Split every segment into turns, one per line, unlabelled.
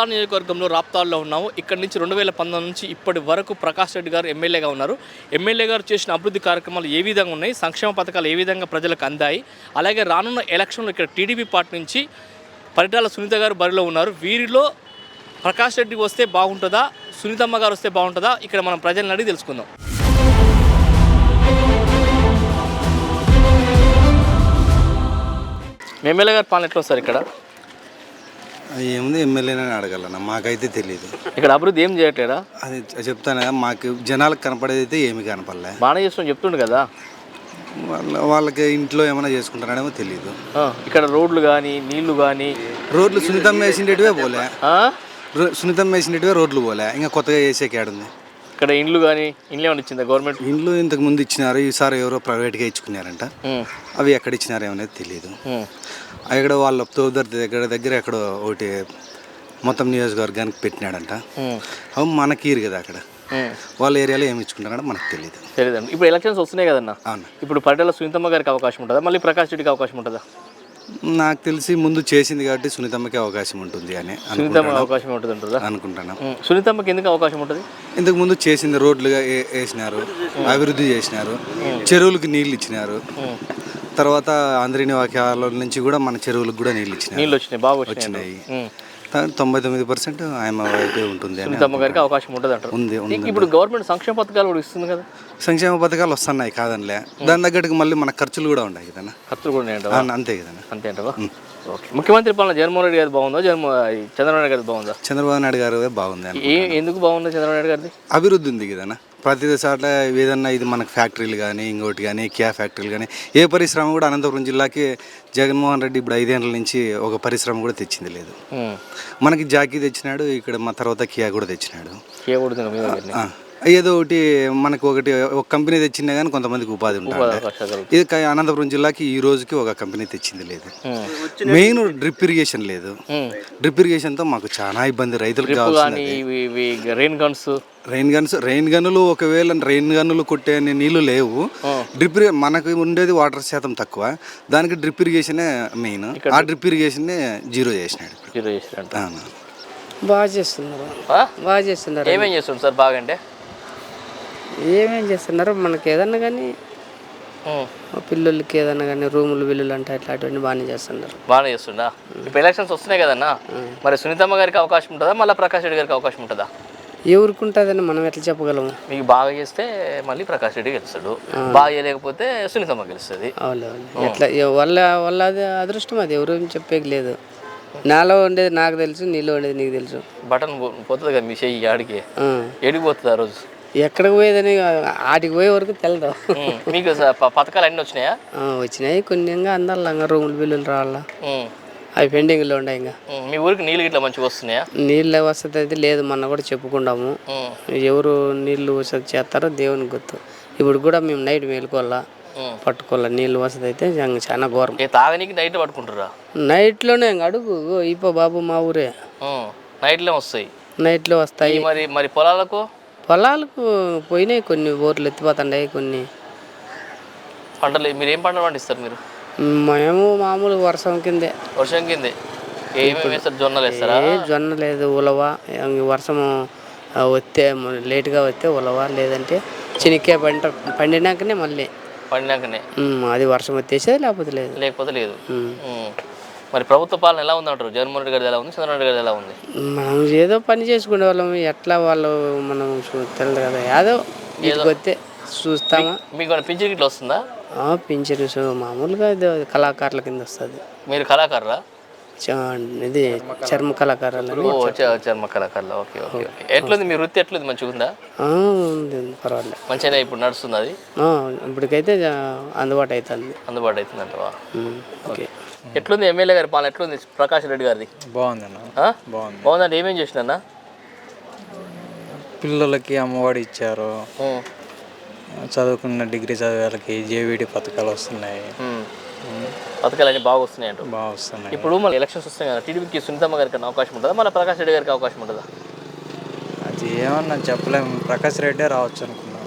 రాప్తాడు నియోజకవర్గంలో రాప్తాడులో ఉన్నాము. ఇక్కడ నుంచి 2019 నుంచి ఇప్పటి వరకు ప్రకాష్ రెడ్డి గారు ఎమ్మెల్యేగా ఉన్నారు. ఎమ్మెల్యే గారు చేసిన అభివృద్ధి కార్యక్రమాలు ఏ విధంగా ఉన్నాయి, సంక్షేమ పథకాలు ఏ విధంగా ప్రజలకు అందాయి, అలాగే రానున్న ఎలక్షన్లో ఇక్కడ టీడీపీ పార్టీ నుంచి పరిటాల సునీత గారు బరిలో ఉన్నారు. వీరిలో ప్రకాష్ రెడ్డి వస్తే బాగుంటుందా, సునీతమ్మ గారు వస్తే బాగుంటుందా, ఇక్కడ మనం ప్రజలను అడిగి తెలుసుకుందాం. ఎమ్మెల్యే గారు పాలన ఎట్లా వస్తారు ఇక్కడ?
ఏముంది ఎమ్మెల్యేనే అడగాలన్న, మాకైతే తెలియదు.
ఇక్కడ అభివృద్ధి ఏం చేయట్లేదా?
అది చెప్తాను కదా, మాకు జనాలకు కనపడేది అయితే ఏమి కనపడలే.
బాగానే చేస్తాం చెప్తుండు కదా.
వాళ్ళకి ఇంట్లో ఏమైనా చేసుకుంటారనేమో తెలియదు.
ఇక్కడ రోడ్లు కానీ నీళ్లు కానీ,
రోడ్లు సునీతమ్మ వేసిండేటివే పోలే, సునీతమ్మ వేసిండేటివే రోడ్లు పోలే, ఇంకా కొత్తగా వేసేకి ఆడుంది.
ఇక్కడ ఇండ్లు కానీ ఇండ్లు ఏమైనా ఇచ్చిందా గవర్నమెంట్?
ఇండ్లు ఇంతకు ముందు ఇచ్చినారు, ఈసారి ఎవరో ప్రైవేట్గా ఇచ్చుకున్నారంట. అవి ఎక్కడ ఇచ్చినారు ఏమనేది తెలియదు. అక్కడ వాళ్ళ తోదర్ దగ్గర ఎక్కడో ఒకటి మొత్తం నియోజకవర్గానికి పెట్టినాడంట. అవి మనకి కదా, అక్కడ వాళ్ళ ఏరియాలో ఏమి ఇచ్చుకుంటారంటే మనకు తెలియదండి.
ఇప్పుడు ఎలక్షన్స్ వస్తున్నాయి కదన్నా.
అవును.
ఇప్పుడు పరిటాల సునీతమ్మ గారికి అవకాశం ఉంటుందా, మళ్ళీ ప్రకాష్ రెడ్డికి అవకాశం ఉంటుందా?
నాకు తెలిసి ముందు చేసింది కాబట్టి సునీతమ్మకి అవకాశం ఉంటుంది అని
అవకాశం ఉంటుంది
అనుకుంటున్నాను.
సునీతమ్మకి ఎందుకు అవకాశం ఉంటుంది?
ఇంతకు ముందు చేసింది రోడ్లుగా వేసినారు, అభివృద్ధి చేసినారు, చెరువులకు నీళ్ళు ఇచ్చినారు. తర్వాత ఆంధ్రీని వాక్యాల నుంచి కూడా మన చెరువులకు కూడా నీళ్ళు
వచ్చినాయి, బాగా
వచ్చినాయి. 99% ఆయన వైపే ఉంటుంది అని
సునీతమ్మ గారికి అవకాశం ఉంటుంది అంటారు.
ఉంది.
ఇప్పుడు గవర్నమెంట్ సంక్షేమ పథకాలు కూడా ఇస్తుంది కదా.
సంక్షేమ పథకాలు వస్తున్నాయి కాదనిలే, దాని తగ్గట్టుగా మళ్ళీ మన ఖర్చులు కూడా ఉన్నాయి కదా.
ఖర్చులు కూడా
అంతే కదా.
అంతే అంటావా? ముఖ్యమంత్రి పాలన జగన్మోహన్ రెడ్డి గారు బాగుందా, చంద్రబాబు నాయుడు గారు బాగుందా?
చంద్రబాబు నాయుడు గారు బాగుంది.
ఎందుకు బాగుందా చంద్రబాబు నాయుడు గారిది?
అభివృద్ధి ఉంది కదా. ప్రతి చోట్ల ఏదన్నా ఇది మనకు ఫ్యాక్టరీలు కానీ, ఇంకోటి కానీ, ఫ్యాక్టరీలు కానీ, ఏ పరిశ్రమ కూడా అనంతపురం జిల్లాకి జగన్మోహన్ రెడ్డి ఇప్పుడు 5 ఏళ్ళ నుంచి ఒక పరిశ్రమ కూడా తెచ్చింది లేదు. మనకి జాకీ తెచ్చినాడు, ఇక్కడ మా తర్వాత కియా కూడా తెచ్చినాడు. ఏదో ఒకటి మనకు ఒక కంపెనీ తెచ్చినా కానీ కొంతమందికి ఉపాధి ఉంటుంది. ఇది అనంతపురం జిల్లాకి ఈ రోజుకి ఒక కంపెనీ తెచ్చింది లేదు. మెయిన్ డ్రిప్ ఇరిగేషన్ లేదు. డ్రిప్ ఇరిగేషన్తో మాకు చాలా ఇబ్బంది రైతులకు. రెయిన్ గన్నులు ఒకవేళ రెయిన్ గన్నులు కొట్టే నీళ్లు లేవు. డ్రిప్ మనకు ఉండేది వాటర్ శాతం తక్కువ, దానికి డ్రిప్ ఇరిగేషనే మెయిన్. ఆ డ్రిప్ ఇరిగేషన్ జీరో చేసినాడు.
బాగా చేస్తున్నారు.
ఏమేం చేస్తున్నారు సార్? బాగా అంటే
ఏమేం చేస్తున్నారు, మనకి ఏదన్నా కానీ పిల్లలకి ఏదన్నా కానీ రూములు బిల్లులు అంటే అట్లాంటివన్నీ బాగానే
చేస్తున్నా. ఇప్పుడు ఎలక్షన్స్ వస్తున్నాయి కదన్నా, మరి సునీతమ్మ గారికి అవకాశం ఉంటుందా, మళ్ళీ ప్రకాష్ రెడ్డి గారికి అవకాశం ఉంటుందా?
ఎవరికి ఉంటుందని మనం ఎట్లా చెప్పగలము?
మీకు బాగా చేస్తే మళ్ళీ ప్రకాష్ రెడ్డి గెలుస్తాడు, బాగా చేయలేకపోతే సునీతమ్మ గెలుస్తుంది.
ఎట్లా వాళ్ళ అది అదృష్టం, అది ఎవరు చెప్పేకి లేదు. నాలో ఉండేది నాకు తెలుసు, నీలో ఉండేది నీకు తెలుసు.
బటన్ పోతుంది కదా మీ చెయ్యి, ఆడికి ఏడికి పోతుంది ఆ రోజు?
ఎక్కడికి పోయేదని ఆటికి పోయే వరకు తెలదు.
మీకు పథకాలు అన్నీ వచ్చినాయా?
వచ్చినాయి కొన్ని, ఇంకా అందాలి రూములు బిల్లులు రావాలా, అవి పెండింగ్లో ఉన్నాయి. ఇంకా
మీ ఊరికి నీళ్ళు ఇట్లా మంచిగా వస్తున్నాయా?
నీళ్ళ వసతి అయితే లేదు, మొన్న కూడా చెప్పుకున్నాము. ఎవరు నీళ్ళు వసతి చేస్తారో దేవునికి గుర్తు. ఇప్పుడు కూడా మేము నైట్ మేలుకోవాలా, పట్టుకోవాలా. నీళ్ళు వసతి అయితే చాలా ఘోరం.
తాగనీకి నైట్ పట్టుకుంటారా?
నైట్లోనే అడుగు ఇపో బాబు, మా ఊరే
నైట్లో వస్తాయి.
నైట్లో వస్తాయి.
మరి పొలాలకు
పోయినాయి, కొన్ని బోర్లు ఎత్తిపోతున్నాయి. కొన్ని
పంటలు మీరు ఏం పంటలు పండిస్తారు? మీరు
మేము మామూలు వర్షం కిందే.
ఏమేమి వేస్తారు? జొన్నలు వేస్తారా?
జొన్న లేదు, ఉలవ. వర్షం వస్తే లేటుగా వస్తే ఉలవ, లేదంటే చెనిక్కాయ పండినాకనే మళ్ళీ అది వర్షం వచ్చేసేది, లేకపోతే లేదు.
మరి ప్రభుత్వ పాలన ఎలా ఉందంటారు? జగన్మోహన్ రెడ్డి గారి ఎలా ఉంది, చంద్రబాబు నాయుడు గారి ఎలా ఉంది?
మనం ఏదో పని చేసుకునే వాళ్ళం, ఎట్లా వాళ్ళు మనం తెలియదు కదా. ఏదో వస్తే చూస్తామా.
మీకు పింఛన్ ఇట్లా వస్తుందా?
పింఛన్ మామూలుగా కళాకారుల కింద వస్తుంది.
మీరు కళాకారురా?
ఇది చర్మ కళాకారులు.
చర్మ కళాకారులు. ఓకే. ఎట్లుంది మీ వృత్తి? ఎట్లుంది? మంచిగా ఉందా?
ఉంది, పర్వాలేదు.
మంచిగా ఇప్పుడు నడుస్తుంది అది?
ఇప్పటికైతే అందుబాటు అవుతుంది.
అంటవా?
ఓకే.
ఎట్లుంది ఎమ్మెల్యే గారి పాలన? ఎట్లుంది ప్రకాష్ రెడ్డి గారిది? బాగుందండి. ఏమేం చేసినా?
పిల్లలకి అమ్మఒడి ఇచ్చారు, చదువుకున్న డిగ్రీ చదివే వాళ్ళకి జేవీడి పథకాలు వస్తున్నాయి.
పథకాలు అన్నీ బాగా వస్తున్నాయి.
వస్తున్నాయి.
ఇప్పుడు మళ్ళీ ఎలక్షన్స్ వస్తున్నాయి కదా, టీడీపీకి సునీతమ్మ గారికి అవకాశం ఉంటుందా, మళ్ళీ ప్రకాష్ రెడ్డి గారికి అవకాశం ఉంటుందా?
అది ఏమన్నా చెప్పలేము. ప్రకాష్ రెడ్డి రావచ్చు అనుకున్నాం.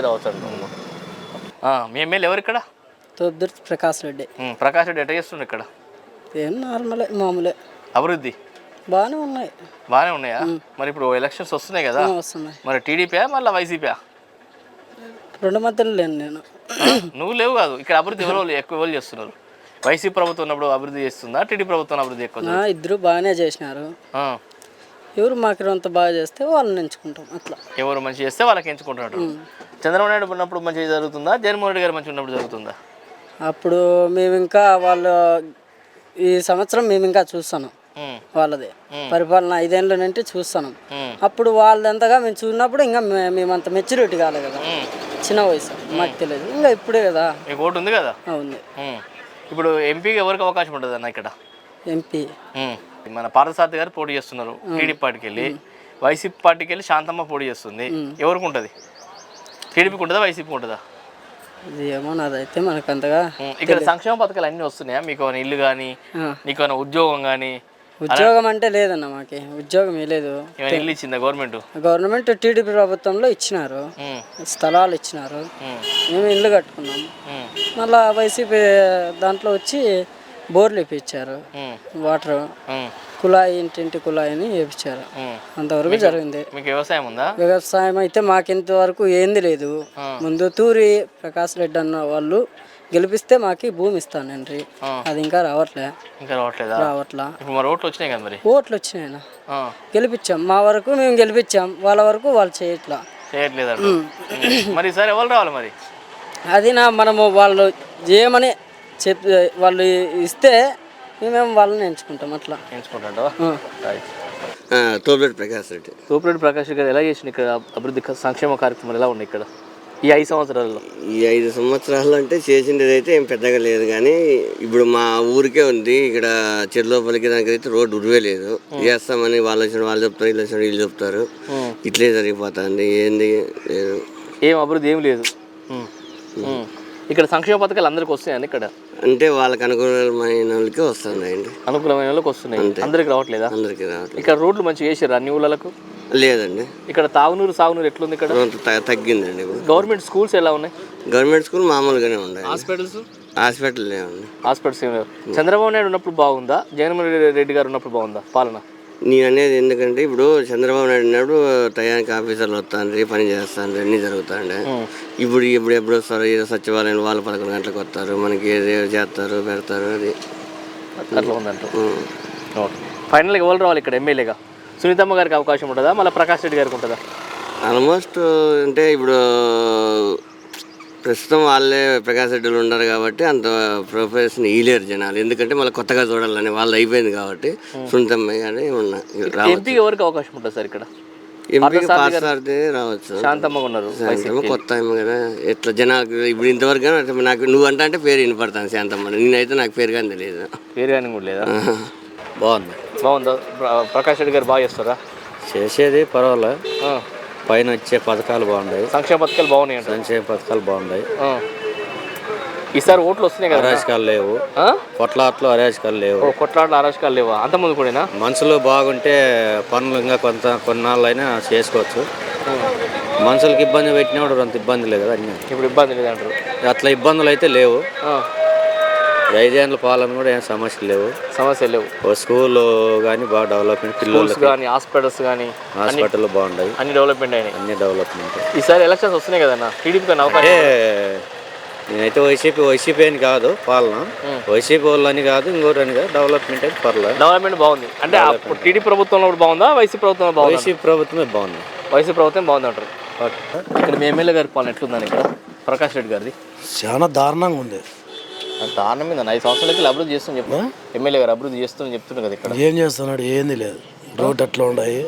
మీ ఎమ్మెల్యే ఎవరు ఇక్కడ?
ప్రకాష్ రెడ్డి.
ప్రకాష్ రెడ్డి ఎట్లా చేస్తుండ్రు ఇక్కడ?
నార్మలే, మామూలే.
అభివృద్ధి
బాగానే ఉన్నాయి.
బాగానే ఉన్నాయా? మరి ఇప్పుడు ఎలక్షన్స్ వస్తున్నాయి కదా,
వస్తున్నాయి.
మరి టీడీపీ మళ్ళీ వైసీపీ?
రెండు మధ్యలో లేను నేను.
నువ్వు లేవు కాదు, ఇక్కడ అభివృద్ధి ఎవరు చేస్తున్నారు? వైసీపీ ప్రభుత్వం ఉన్నప్పుడు అభివృద్ధి చేస్తుందా, టీడీపీ ప్రభుత్వం అభివృద్ధి ఎక్కువ?
ఇద్దరు బాగానే చేసినారు. ఎవరు మాకు అంత బాగా చేస్తే వాళ్ళని ఎంచుకుంటాం. అట్లా
ఎవరు మంచి చేస్తే వాళ్ళకి ఎంచుకుంటున్నారు. చంద్రబాబు నాయుడు ఉన్నప్పుడు మంచిగా జరుగుతుందా, జగన్మోహన్ రెడ్డి గారు మంచిగా ఉన్నప్పుడు జరుగుతుందా?
అప్పుడు మేము ఇంకా వాళ్ళు ఈ సంవత్సరం మేము ఇంకా చూస్తాను వాళ్ళది పరిపాలన 5 ఏళ్ళ నుండి చూస్తాను. అప్పుడు వాళ్ళంతగా మేము చూసినప్పుడు ఇంకా మేమంత మెచ్యూరిటీ కాలేదు కదా, చిన్న వయసు, మాకు తెలియదు. ఇంకా ఇప్పుడే కదా.
మీకు ఓటు ఉంది కదా?
ఉంది.
ఇప్పుడు ఎంపీకి ఎవరికి అవకాశం ఉంటుంది అన్న ఇక్కడ?
ఎంపీ
మన పార్థసారథి గారు పోటీ చేస్తున్నారు టీడీపీ పార్టీకి వెళ్ళి, వైసీపీ పార్టీకి వెళ్ళి శాంతమ్మ పోటీ చేస్తుంది. ఎవరికి ఉంటుంది? టీడీపీకి ఉంటుందా, వైసీపీకి ఉంటుందా?
ఇది ఏమో నాదైతే మనకు అంతగా.
ఇక్కడ సంక్షేమ పథకాలు అన్నీ వస్తున్నాయా? మీకు ఏమైనా ఇల్లు కానీ, నీకు ఏమైనా ఉద్యోగం కానీ?
ఉద్యోగం అంటే లేదన్న, మాకి ఉద్యోగం లేదు.
ఇల్లు ఇచ్చిందా
గవర్నమెంట్? టీడీపీ ప్రభుత్వంలో ఇచ్చినారు, స్థలాలు ఇచ్చినారు, మేము ఇల్లు కట్టుకున్నాం. మళ్ళా వైసీపీ దాంట్లో వచ్చి బోర్లు వేయించారు, వాటర్ కుళాయి, ఇంటింటి కుళాయిని వేయించారు. అంతవరకు జరిగింది.
మీకు వ్యవసాయం ఉందా?
వ్యవసాయం అయితే మాకు ఇంతవరకు ఏంది లేదు. ముందు తూరి ప్రకాష్ రెడ్డి అన్న వాళ్ళు గెలిపిస్తే మాకి భూమి ఇస్తానండి, అది ఇంకా రావట్లే. రావట్లా.
ఓట్లు వచ్చినాయి కదా, మరి
ఓట్లు వచ్చినాయి, గెలిపించాం. మా వరకు మేము గెలిపించాం, వాళ్ళ వరకు వాళ్ళు చేయట్లేదు.
మరి సరే ఎవరు రావాలి మరి?
అది మనము వాళ్ళు ఏమని చెప్పి వాళ్ళు ఇస్తే మేమేమో వాళ్ళని ఎంచుకుంటాం. అట్లా
ఎంచుకుంటాం.
తోపిరెడ్డి ప్రకాష్ రెడ్డి.
తోపిరెడ్డి ప్రకాష్ రెడ్డి ఎలా చేసిన ఇక్కడ అభివృద్ధి సంక్షేమ కార్యక్రమాలు ఎలా ఉన్నాయి ఇక్కడ ఈ 5 సంవత్సరాల్లో?
ఈ 5 సంవత్సరాలు అంటే చేసిండేది అయితే ఏం పెద్దగా లేదు, కానీ ఇప్పుడు మా ఊరికే ఉంది. ఇక్కడ చెరులోపలికి దానికి అయితే రోడ్డు ఉరివే లేదు. చేస్తామని వాళ్ళు చెప్తారు, వీళ్ళు వచ్చిన వీళ్ళు చెప్తారు, ఇట్లే జరిగిపోతుంది. ఏంది లేదు,
ఏం అభివృద్ధి ఏం లేదు. ఇక్కడ సంక్షేమ పథకాలు అందరికి వస్తున్నాయండి ఇక్కడ?
అంటే వాళ్ళకి అనుకూలమైన వాళ్ళకి వస్తున్నాయండి.
అనుకూలమైన వాళ్ళకి వస్తున్నాయి, అందరికి రావట్లేదా?
అందరికి రావట్లేదు.
ఇక్కడ రోడ్లు మంచిగా వేసారు అన్ని ఊళ్ళకు?
లేదండి.
ఇక్కడ తాగునూరు సాగునూరు ఎట్లుంది ఇక్కడ?
తగ్గిందండి. ఇప్పుడు
గవర్నమెంట్ స్కూల్స్ ఎలా ఉన్నాయి?
గవర్నమెంట్ స్కూల్ మామూలుగానే ఉన్నాయి.
హాస్పిటల్
లేవండి.
హాస్పిటల్స్ ఏమి లేవు. చంద్రబాబు నాయుడు ఉన్నప్పుడు బాగుందా, జగన్మోహన్ రెడ్డి గారు ఉన్నప్పుడు బాగుందా పాలన?
నేను అనేది ఎందుకంటే ఇప్పుడు చంద్రబాబు నాయుడు ఉన్నప్పుడు టయానికి ఆఫీసర్లు వస్తాండ్రి, పని చేస్తాండ్రి, అన్నీ జరుగుతాండే. ఇప్పుడు ఎప్పుడు వస్తారు? సచివాలయం వాళ్ళు 11 గంటలకు వస్తారు, మనకి చేస్తారు, పెడతారు. అది
అట్లా ఉందంట. ఫైనల్గా ఎవరు రావాలి ఇక్కడ ఎమ్మెల్యేగా? సునీతమ్మ గారికి అవకాశం ఉంటుందా, మళ్ళీ ప్రకాష్ రెడ్డి గారికి ఉంటుందా?
ఆల్మోస్ట్ అంటే ఇప్పుడు ప్రస్తుతం వాళ్ళే ప్రకాష్ రెడ్డిలు ఉన్నారు కాబట్టి అంత ప్రొఫెషన్ ఇయలేరు జనాలు. ఎందుకంటే మళ్ళీ కొత్తగా చూడాలని వాళ్ళు అయిపోయింది కాబట్టి సునీతమ్మ కానీ
ఎంపీకి ఎవరికి అవకాశం ఉంటుంది సార్ ఇక్కడ?
ఎంపీకి పార్థసారథి రావచ్చు.
శాంతమ్మ ఉన్నారు,
కొత్త ఆమె కదా. ఎట్లా జనాలకు ఇప్పుడు ఇంతవరకు నాకు నువ్వు అంటే పేరు వినపడతాను శాంతమ్మ. నేనైతే నాకు పేరు కానీ తెలియదు.
పేరు కానీ కూడా లేదా?
బాగుందా?
ప్రకాష్ రెడ్డి గారు బాగా చేస్తారా?
చేసేది పర్వాలేదు. పైన వచ్చే పథకాలు బాగున్నాయి,
సంక్షేమ పథకాలు బాగున్నాయి.
సంక్షేమ పథకాలు బాగున్నాయి.
ఈసారి ఓట్లు వస్తున్నాయి కదా,
అరాచకాలు లేవు. కొట్లాట్లు అరాచకాలు లేవు.
కొట్లాట్లు అరాచకాలు లేవా? అంతకుముందు కూడా
మనుషులు బాగుంటే పనులు ఇంకా కొన్నాళ్ళైనా చేసుకోవచ్చు. మనుషులకి ఇబ్బంది పెట్టినప్పుడు అంత ఇబ్బంది లేదు కదా. అన్నీ
ఇప్పుడు ఇబ్బంది లేదంటారు.
అట్లా ఇబ్బందులు అయితే లేవు. 5 ఏళ్ళ పాలన కూడా ఏం సమస్యలు లేవు. స్కూల్ కానీ బాగా డెవలప్మెంట్, పిల్లలు
కానీ హాస్పిటల్స్ కానీ
హాస్పిటల్ బాగున్నాయి,
అన్ని డెవలప్మెంట్ అయినాయి.
అన్ని డెవలప్మెంట్.
ఈసారి ఎలక్షన్స్ వస్తున్నాయి కదన్నా, టీడీపీ
అంటే నేనైతే వైసీపీ అని కాదు పాలన, వైసీపీ వాళ్ళు అని కాదు, ఇంకోటి అని కాదు, డెవలప్మెంట్ అయితే పర్లేదు.
డెవలప్మెంట్ బాగుంది. అంటే అప్పుడు టీడీపీ ప్రభుత్వంలో బాగుందా, వైసీపీ ప్రభుత్వం బాగుంది?
వైసీపీ ప్రభుత్వమే బాగుంది.
వైసీపీ ప్రభుత్వం బాగుంది అంటారు. ఇక్కడ మీ ఎమ్మెల్యే గారి పాలన ఎట్లుందని ఇక్కడ ప్రకాష్ రెడ్డి గారిది?
చాలా దారుణంగా ఉంది.
దారుణం మీద 5 సంవత్సరాలకి అభివృద్ధి చేస్తాను చెప్పు. ఎమ్మెల్యే గారు అభివృద్ధి చేస్తానని చెప్తున్నారు కదా. ఇక్కడ
ఏం చేస్తున్నాడు? ఏంది లేదు. రోడ్డు అట్లా ఉన్నాయి.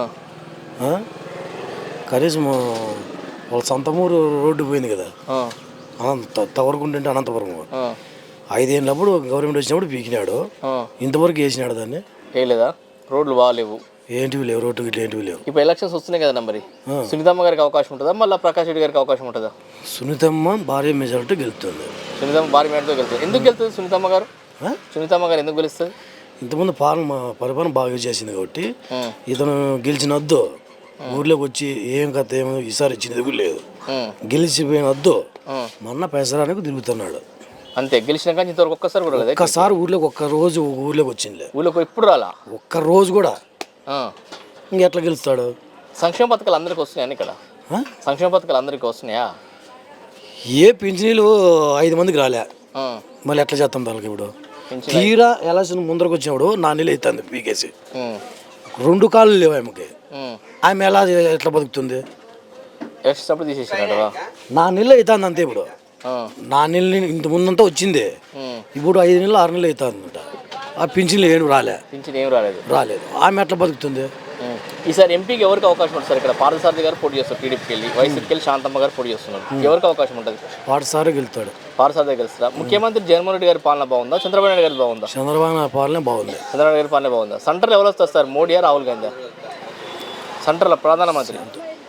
కనీసం వాళ్ళ సొంతమూరు రోడ్డు పోయింది కదా, తవరకుంటే అనంతపురం. 5 ఏళ్ళప్పుడు గవర్నమెంట్ వచ్చినప్పుడు పీకినాడు, ఇంతవరకు వేసినాడు దాన్ని.
వేయలేదా? రోడ్లు బాగాలేవు,
ఏంటివి లేవు, రోడ్డు గిట్ల ఏంటివి లేవు.
ఇప్పుడు ఎలక్షన్స్ వస్తున్నాయి కదా మరి, సునీతమ్మ గారికి అవకాశం ఉంటుందా, మళ్ళీ ప్రకాష్ రెడ్డి గారికి అవకాశం ఉంటుందా?
సునీతమ్మ భారీ మెజారిటీ గెలుస్తుంది.
సునీతమ్మ భారీ మెజారిటీతో గెలుస్తుంది. ఎందుకు గెలుస్తుంది సునీతమ్మ గారు? సునీతమ్మ గారు ఎందుకు గెలుస్తుంది?
ఇంతకుముందు పరిపాలన బాగా చేసింది కాబట్టి ఇతను గెలిచినద్దు. ఊర్లోకి వచ్చి ఏం కథ ఏమో ఈసారి ఇచ్చినది కూడా లేదు. గెలిచిపోయిన వద్దు, మొన్న పెసరానికి తిరుగుతున్నాడు.
అంతే గెలిచినాక ఇంతవరకు ఒక్కసారి కూడా రాలేదు.
ఒక్కసారి ఊర్లోకి ఒక్క రోజు ఊర్లోకి వచ్చిందిలే,
ఊళ్ళోకి ఎప్పుడు రాలా.
ఒక్క రోజు కూడా.
ఆ.
ఇంకెట్లా గెలుస్తాడు?
సంక్షేమ పథకాలు అందరికి వస్తున్నాయని ఇక్కడ
ఆ?
సంక్షేమ పథకాలు అందరికి వస్తున్నాయా?
ఏ పింఛనీలు 5 మందికి రాలే,
ఆ.
మళ్ళీ ఎట్లా చేస్తాం వాళ్ళకి? ఇప్పుడు
పింఛన్
తీరా ఎలక్షన్ ముందరకు వచ్చినప్పుడు నా నీళ్ళు అవుతుంది పీకేసి,
ఉమ్.
2 కాళ్ళు లేవు ఆమెకి.
ఉమ్.
ఆమె ఎట్లా బతుకుతుంది?
ఎక్స్ట్రాప్పుడు తీసేసినాడవా?
నా నీళ్ళు అవుతుంది అంతే. ఇప్పుడు నా నీళ్ళు ఇంత ముందంతా వచ్చింది, ఇప్పుడు 5 నెలలు 6 నెలలు అవుతుందంట. ఆ పింఛన్లు ఏం రాలే,
పింఛన్ ఏం రాలేదు.
ఆమె ఎట్లా బతుకుతుంది?
ఈసారి ఎంపీకి ఎవరికి అవకాశం ఉంటుంది సార్? ఇక్కడ పార్థసారథి గారు పోటీ చేస్తారు, టీడీపీకి వెళ్ళి, వైసీపీకి వెళ్ళి శాంతమ్మ గారు పోటీ చేస్తున్నారు. ఎవరికి అవకాశం ఉంటుంది?
పాఠశాల గెలుతాడు.
పార్థసారథి గెలుస్తారా? ముఖ్యమంత్రి జగన్మోహన్ రెడ్డి గారి పాలన బాగుందా, చంద్రబాబు నాయుడు గారి బాగుందా?
చంద్రబాబు పాలనే బాగుంది.
చంద్రబాబు గారి పాలన బాగుందా? సెంటర్లో ఎవరు వస్తారు సార్, మోడీయా రాహుల్ గాంధీ? సెంటర్లో ప్రధానమంత్రి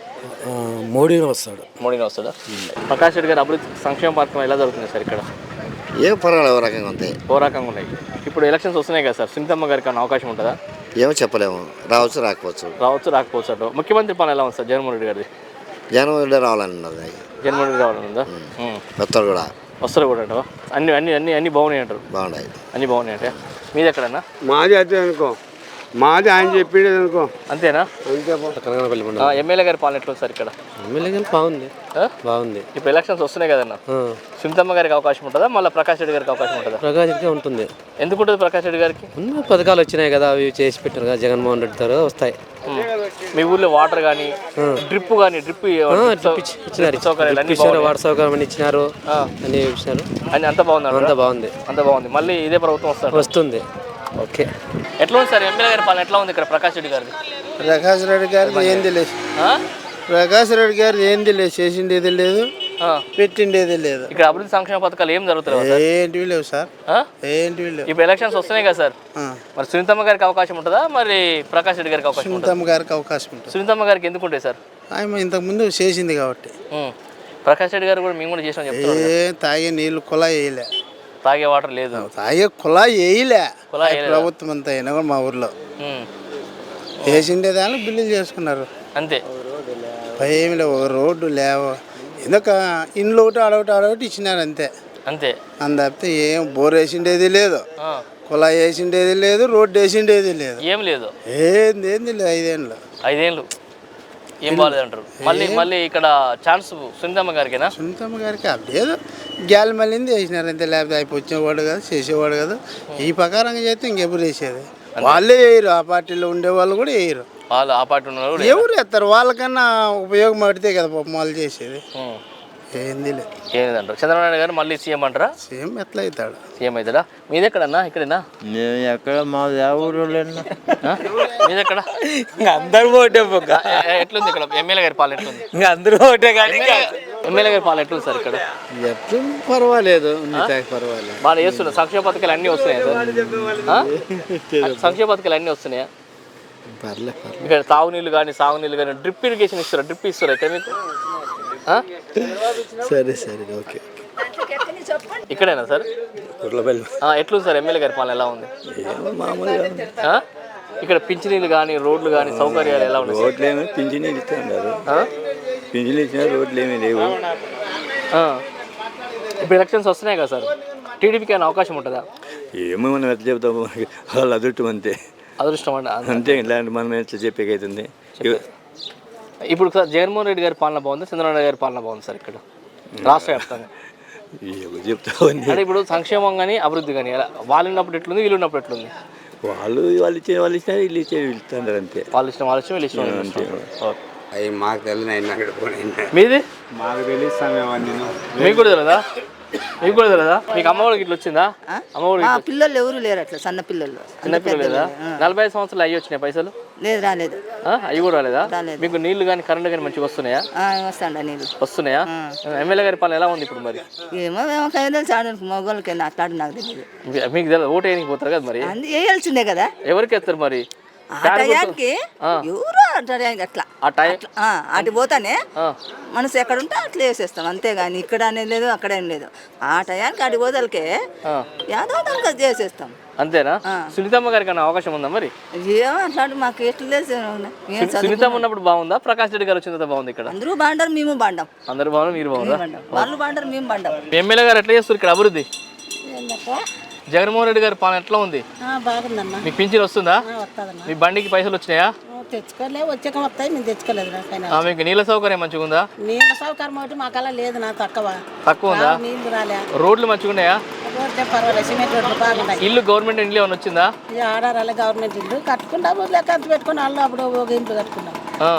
మోడీనే వస్తాడు.
మోడీని వస్తాడా? ప్రకాష్ రెడ్డి గారి అభివృద్ధి సంక్షేమ పథకం ఎలా జరుగుతుంది సార్ ఇక్కడ?
ఏం పర్వాలేదు, ఓ రకంగా ఉంటాయి.
ఓ రకంగా ఉన్నాయి. ఇప్పుడు ఎలక్షన్స్ వస్తున్నాయి కదా సార్, సునీతమ్మ గారికి అన్న అవకాశం ఉంటుందా?
ఏమో చెప్పలేము, రావచ్చు రాకపోవచ్చు.
రావచ్చు రాకపోవచ్చు అటు. ముఖ్యమంత్రి పాలన ఎలా ఉంది సార్ జగన్మోహన్ రెడ్డి గారిది?
జనవరిలో రావాలని ఉన్నది.
జగన్మోహన్ రెడ్డి రావాలని ఉందా?
వస్తారు కూడా,
వస్తారు కూడా అంటావా? అన్ని బాగున్నాయి అంటారు.
బాగున్నాయి,
అన్నీ బాగున్నాయి అంటే మీది ఎక్కడన్నా?
మాది అదే అనుకో, మాది ఆయన చెప్పేది అనుకో.
అంతేనా?
కనగనపల్లి
ఎమ్మెల్యే గారి పాలన ఎట్లా ఉంది సార్ ఇక్కడ?
ఎమ్మెల్యే గారు బాగుంది, బాగుంది.
ఇప్పుడు ఎలక్షన్స్ వస్తున్నాయి కదన్న, సునీతమ్మ గారికి అవకాశం ఉంటుందా, మళ్ళీ ప్రకాష్ రెడ్డి గారికి అవకాశం ఉంటుందా?
ప్రకాష్ రెడ్డి ఉంటుంది.
ఎందుకు ఉంటుంది ప్రకాష్ రెడ్డి గారికి?
ఉన్న పథకాలు వచ్చినాయి కదా, అవి చేసి పెట్టారు కదా జగన్మోహన్ రెడ్డి గారు, వస్తాయి.
మీ ఊర్లో వాటర్ కానీ డ్రిప్ కానీ
ఇచ్చినారు, వాటర్ సౌకర్యం అని ఇచ్చినారు, అన్ని ఇచ్చినారు.
అని అంత బాగుంది,
అంతా బాగుంది,
అంత బాగుంది. మళ్ళీ ఇదే ప్రభుత్వం
వస్తుంది.
ఓకే. ఎట్లా ఉంది సార్ ఎమ్మెల్యే గారి పాలన ఎట్లా ఉంది ఇక్కడ ప్రకాష్ రెడ్డి గారిది?
ప్రకాష్ రెడ్డి గారిది ఏంది లేదు, ప్రకాష్ రెడ్డి గారిది ఏంది లేదు, చేసిండేది లేదు, పెట్టిండేది లేదు.
ఇక్కడ అభివృద్ధి సంక్షేమ పథకాలు ఏం జరుగుతున్నాయి?
ఏంటివి లేవు సార్, ఏంటివి లేవు.
ఇప్పుడు ఎలక్షన్స్ వస్తున్నాయి కదా సార్, మరి సునీతమ్మ గారికి అవకాశం ఉంటుందా, మరి ప్రకాష్ రెడ్డి గారికి అవకాశం ఉంటుందా?
సునీతమ్మ గారికి అవకాశం ఉంటుంది.
సునీతమ్మ గారికి ఎందుకు ఉంటాయి సార్?
ఆమె ఇంతకుముందు చేసింది కాబట్టి.
ప్రకాష్ రెడ్డి గారు కూడా మేము కూడా చేసాం చెప్తున్నాం.
తాగే నీళ్ళు కుళాయి వేయలే,
తాగే వాటర్ లేదు,
తాగే కుళాయి వేయలే. ప్రభుత్వం అంతా అయినా కూడా మా ఊర్లో వేసిండే దాన్ని బిల్లులు చేసుకున్నారు
అంతే.
ఏమి లేవు, ఒక రోడ్డు లేవు, ఎందుక ఇండ్లు ఒకటి ఆడొకటి ఇచ్చినారు అంతే.
అంతే
తప్పితే ఏం బోర్ వేసిండేది లేదు, కుళాయి వేసిండేది లేదు, రోడ్డు వేసిండేది లేదు,
ఏం లేదు.
ఏంది లేదు. 5 ఏళ్ళు
ఏం బాగాలేదు అంటారు. మళ్ళీ ఇక్కడ ఛాన్స్ సునీతమ్మ గారికేనా?
సునీతమ్మ గారికి లేదు, గ్యాల్ మళ్ళీ వేసినారు అంతే. లేకపోతే అయిపోయేవాడు కదా, చేసేవాడు కదా. ఈ ప్రకారంగా చేస్తే ఇంకెప్పుడు వేసేది? వాళ్ళే వేయరు, ఆ పార్టీలో ఉండే వాళ్ళు కూడా వేయరు.
వాళ్ళు ఆ పార్టీ ఉన్నారు
ఎవరు వేస్తారు? వాళ్ళకన్నా ఉపయోగం పడితే కదా పాపం వాళ్ళు చేసేది. ఏంది లేదు.
ఏంటంటారు? చంద్రబాబు నాయుడు గారు మళ్ళీ సీఎం అంటారా?
సీఎం ఎట్లా అవుతాడు?
సీఎం అవుతాడా? మీది ఎక్కడన్నా? ఇక్కడేనా?
ఎక్కడ మా ఊరు
మీది ఎక్కడ?
అందరూ ఓటే,
ఎట్లుంది ఇక్కడ ఎమ్మెల్యే గారి పాలన ఎట్లుంది?
ఇంకా అందరూ ఓటే కానీ
ఎమ్మెల్యే గారి పాలన ఎట్లుంది సార్ ఇక్కడ?
ఎప్పుడు పర్వాలేదు, పర్వాలేదు.
బాగా చేస్తున్నారు. సంక్షేమ పథకాలు అన్నీ వస్తున్నాయా సార్? సంక్షేమ పథకాలు అన్నీ వస్తున్నాయా? ఇక్కడ తాగునీళ్ళు కానీ సాగునీళ్ళు కానీ డ్రిప్ ఇరిగేషన్ ఇస్తారా? డ్రిప్ ఇస్తారా ఇక్కడ మీకు?
సరే ఓకే.
ఇక్కడేనా సార్? ఎట్లుంది సార్ ఎమ్మెల్యే గారి పాలన ఎలా ఉంది? ఇక్కడ పింఛనీళ్ళు కానీ రోడ్లు కానీ సౌకర్యాలు ఎలా ఉన్నాయి?
రోడ్లు ఏమో పింఛనీళ్ళు ఇస్తున్నారు, పింఛనీళ్ళు ఇచ్చిన రోడ్లు ఏమీ లేవు.
ఇప్పుడు ఎలక్షన్స్ వస్తున్నాయి కదా సార్, టీడీపీకి అయినా అవకాశం ఉంటుందా?
ఏమో మనం ఎట్లా చెప్తాము, వాళ్ళు అదృష్టం అంతే.
అదృష్టం
అంతే, ఇలాంటి మనం ఎట్లా చెప్పేకైతుంది.
ఇప్పుడు సార్ జగన్మోహన్ రెడ్డి గారి పాలన బాగుంది, చంద్రబాబు నాయుడు గారి పాలన బాగుంది సార్ ఇక్కడ రాష్ట్ర వ్యాప్తంగా?
చెప్తావు
అంటే ఇప్పుడు సంక్షేమం కానీ అభివృద్ధి కానీ వాళ్ళు ఉన్నప్పుడు ఎట్లుంది, వీళ్ళు ఉన్నప్పుడు ఎట్లుంది?
వాళ్ళు ఇచ్చారు, వీళ్ళు ఇస్తారు అంతే.
వాళ్ళు ఇష్టం వీళ్ళు ఇష్టం అంతే.
అవి మాకు తెలియదు,
మీది
మాకు తెలుస్తామేమని.
మీకు కూడా తెలియదా? మీకు కూడా తెలియదా? మీకు అమ్మఒడికి ఇట్లా వచ్చిందా? అమ్మఒడికి
పిల్లలు ఎవరు లేరు అట్లా, సన్న పిల్లలు.
చిన్న పిల్లలు లేదా? 45 సంవత్సరాలు అయ్యి వచ్చినాయి పైసలు?
లేదు, రాలేదు.
అవి కూడా రాలేదా? మీకు నీళ్లు కానీ కరెంట్ కానీ మంచిగా వస్తున్నాయా?
వస్తాండ నీళ్ళు
వస్తున్నాయా? ఎమ్మెల్యే గారి పాలన ఎలా ఉంది ఇప్పుడు మరి?
ఏమో తెలుసు, మగవాళ్ళకి అట్లాంటి నాకు తెలియదు.
మీకు తెలియదు, ఓటు వేయడానికి పోతారు కదా మరి?
వేయాల్సిందే కదా.
ఎవరికి వేస్తారు మరి?
టయానికి ఎవరు అట్లా అటు పోతానే మనసు ఎక్కడ ఉంటే అట్లా వేసేస్తాం, అంతేగాని ఇక్కడ అనేది లేదు, అక్కడ ఏం లేదు. ఆ టయానికి అటు పోదలకే యాదో దానికి చేసేస్తాం.
అంతేనా? సునీతమ్మ గారికి అన్న అవకాశం ఉందా మరి?
ఏమో అట్లాంటి మాకు ఎట్లా తెలుసు.
సునీతమ్మ ఉన్నప్పుడు బాగుందా, ప్రకాష్ రెడ్డి గారు వచ్చిన తర్వాత బాగుంది ఇక్కడ?
అందరూ బాగుంటారు, మేము బాగుంటాం.
అందరూ బాగున్నారు, మీరు బాగుందా?
వాళ్ళు బాగుంటారు, మేము బాగుంటాం.
ఎమ్మెల్యే గారు ఎట్లా చేస్తారు ఇక్కడ అభివృద్ధి? జగన్మోహన్ రెడ్డి గారి పాలన ఎట్లా ఉంది?
బాగుందన్నా.
మీకు పింఛన్ వస్తుందా?
వస్తుందన్నా.
మీ బండికి పైసలు వచ్చినాయా?
తెచ్చుకోలే, వచ్చాక వస్తాయి, మేము తెచ్చుకోలేదు.
మీకు నీళ్ళ సౌకర్యం మంచిగా ఉందా?
నీళ్ళ సౌకర్యం ఒకటి మాకలా లేదు నా
తక్కువ ఉందా?
నీళ్ళు రాలే.
రోడ్లు మంచిగా ఉన్నాయా?
రోడ్లే పర్వాలేదు, సిమెంట్ రోడ్లు బాగున్నాయి.
ఇల్లు గవర్నమెంట్ ఇంట్లో ఏమైనా వచ్చిందా?
ఆడారాలే గవర్నమెంట్ ఇల్లు కట్టుకుంటాము, లెక్క అంత పెట్టుకుని వాళ్ళు అప్పుడు ఒక ఇంట్లో కట్టుకున్నాం.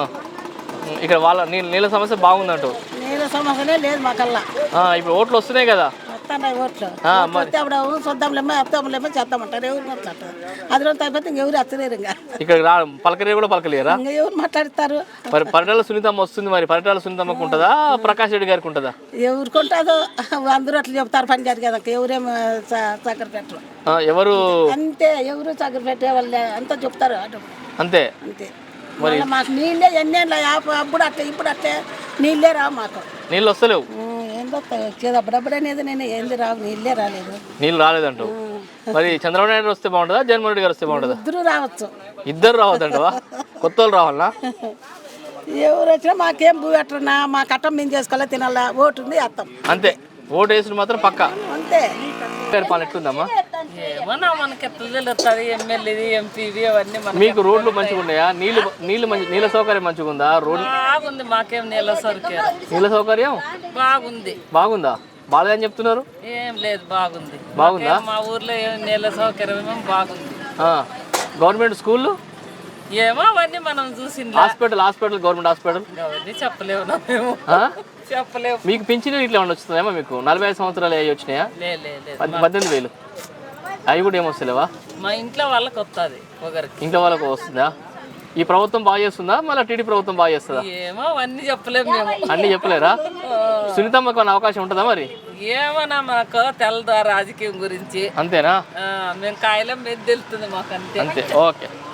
ఇక్కడ వాళ్ళ నీళ్ళ సమస్య బాగుందంటూ.
నీళ్ళ సమస్యనే లేదు మాకల్లా.
ఇప్పుడు ఓట్లు వస్తున్నాయి కదా?
వస్తున్నాయి ఓట్లు. వస్తే అప్పుడు చూద్దాంలేమో వస్తాంలేమో చేద్దామంటారు. ఎవరు మాట్లాడతారు? అది రోజు అయిపోతే ఇంకెవరు వచ్చలేరు. ఇంకా
ఇక్కడ పలకలే కూడా పలకలేరా?
ఇంకా ఎవరు మాట్లాడతారు?
మరి పరిటాల సునీతమ్మ వస్తుంది, మరి పరిటాల సునీతమ్మకు ఉంటుందా, ప్రకాష్ రెడ్డి గారికి ఉంటుందా?
ఎవరికి ఉంటుందో అందరూ అట్లా చెప్తారు. పని గారు కదా, ఎవరేమో చక్కెర పెట్టరు.
ఎవరు
అంతే, ఎవరు చక్కెర పెట్టే వాళ్ళే అంతా చెప్తారు.
అంతే
అంతే. మరి మాకు నీళ్ళే ఎన్నేళ్ళ అప్పుడు అట్లా ఇప్పుడు అట్లే నీళ్ళే రావు మాకు.
నీళ్ళు వస్తలేవు.
ఏందో వచ్చేది అప్పుడప్పుడు అనేది, నేను ఏంది రావు, నీళ్ళే రాలేదు.
నీళ్ళు రాలేదంటూ. మరి చంద్రబాబు నాయుడు వస్తే బాగుంటుందా, జగన్మోహన్ రెడ్డి గారు వస్తే బాగుంటుందా?
ఇద్దరు రావచ్చు.
ఇద్దరు రావద్దంటవా? కొత్త వాళ్ళు రావాలా?
ఎవరు వచ్చినా మాకేం భూ పెట్టరున్నా, మా కట్టం మేము చేసుకోవాలా, తినాలా, ఓటు ఉంది వేస్తాం
అంతే. ఓటు వేసిన మాత్రం పక్క
అంతే.
పాలన ఎట్లుందమ్మా?
ఏమన్నా మనకి ఎట్లా తెలుస్తుంది? ఎమ్మెల్యేది, ఎంపీది అవన్నీ
మీకు రోడ్లు మంచిగా ఉన్నాయా? నీళ్ళ సౌకర్యం మంచిగా ఉందా? రోడ్లు
బాగుంది. మాకేం నీళ్ళ సౌకర్యం బాగుంది.
బాగుందా? బాగాలేదని చెప్తున్నారు.
ఏం లేదు, బాగుంది.
బాగుందా?
మా ఊర్లో నీళ్ళ సౌకర్యం ఏమో బాగుంది.
గవర్నమెంట్ స్కూళ్ళు
ఏమో అవన్నీ మనం చూసింది.
హాస్పిటల్ గవర్నమెంట్ హాస్పిటల్
అవన్నీ చెప్పలేము మేము. చెప్పలేము.
మీకు పింఛను ఇట్లా ఏమన్నా వస్తుందేమో? మీకు 45 సంవత్సరాలు అవి వచ్చినాయా? 18,000 అవి కూడా ఏమొస్తలేవా?
మా ఇంట్లో వాళ్ళకి వస్తుంది, ఒకరికి.
ఇంట్లో వాళ్ళకు వస్తుందా? ఈ ప్రభుత్వం బాగా చేస్తుందా, మళ్ళీ టీడీ ప్రభుత్వం బాగా చేస్తుందా?
ఏమో అవన్నీ చెప్పలేము మేము.
అన్ని చెప్పలేరా? సునీతమ్మకు అన్న అవకాశం ఉంటుందా మరి?
ఏమన్నా మనకు తెలదా రాజకీయం గురించి?
అంతేనా?
మేము కాయలం మీద తెలుస్తుంది మాకు. అంతే.
ఓకే.